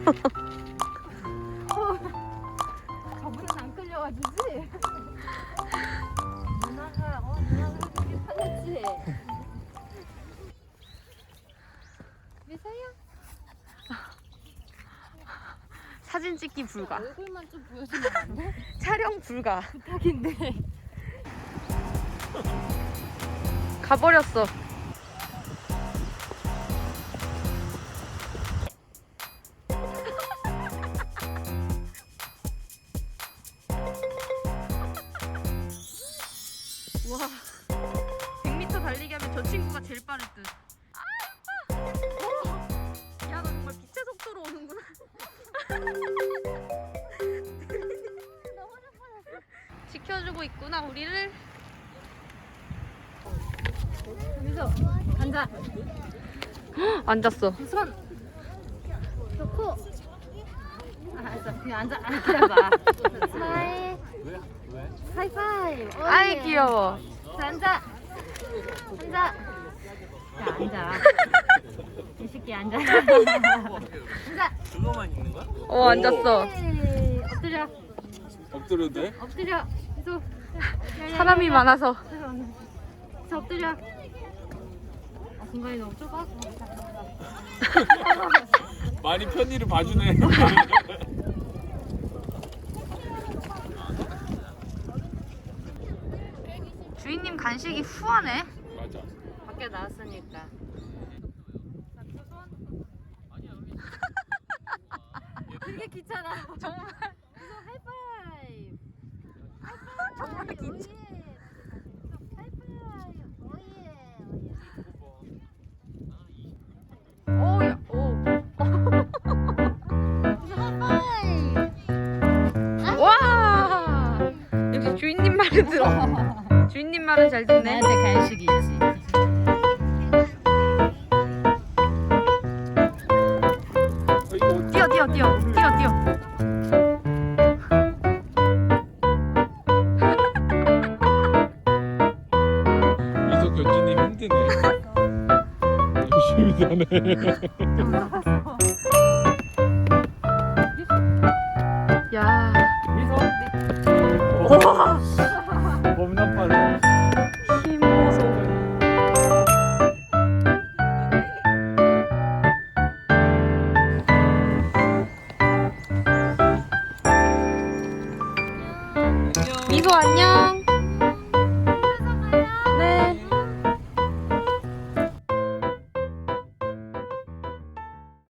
저분은 안 끌려가지지? 누나가 그렇게 살렸지? 미세요? 사진 찍기 불가. 얼굴만 좀 보여주면 안 돼? 촬영 불가. 부탁인데. 가버렸어. 와, 100m 달리기 하면 저 친구가 제일 빠를 듯. 야, 너 정말 빛의 속도로 오는구나. 지켜주고 있구나, 우리를. 여기서 앉아. 앉았어. 손 놓고. 알았어. 그냥 앉아. 기다려봐. 스마일. 하이파이브. 아이, 귀여워. 자, 앉아. 앉아. 자, 앉아. 이 새끼 앉아. 앉아. 그거만 있는 거야? 앉았어. 오케이. 엎드려. 엎드려도 돼? 엎드려. 계속. 사람이 많아서. 계속 엎드려. 공간이 너무 좁아. 많이 편의를 봐주네. 주인님 간식이 후하네. 맞아. 밖에 나왔으니까. 되게 귀찮아. 정말 하이파이브. 정말 귀찮아. 하이파이브. 오예. 오야, 오. 와, 역시 주인님 말을 들어. 주인님 말은 잘 듣네. 나한테 간식이 있지. 뛰어, 뛰어, 뛰어, 뛰어, 뛰어. 이석 견주님 힘드네. 열심히 사네.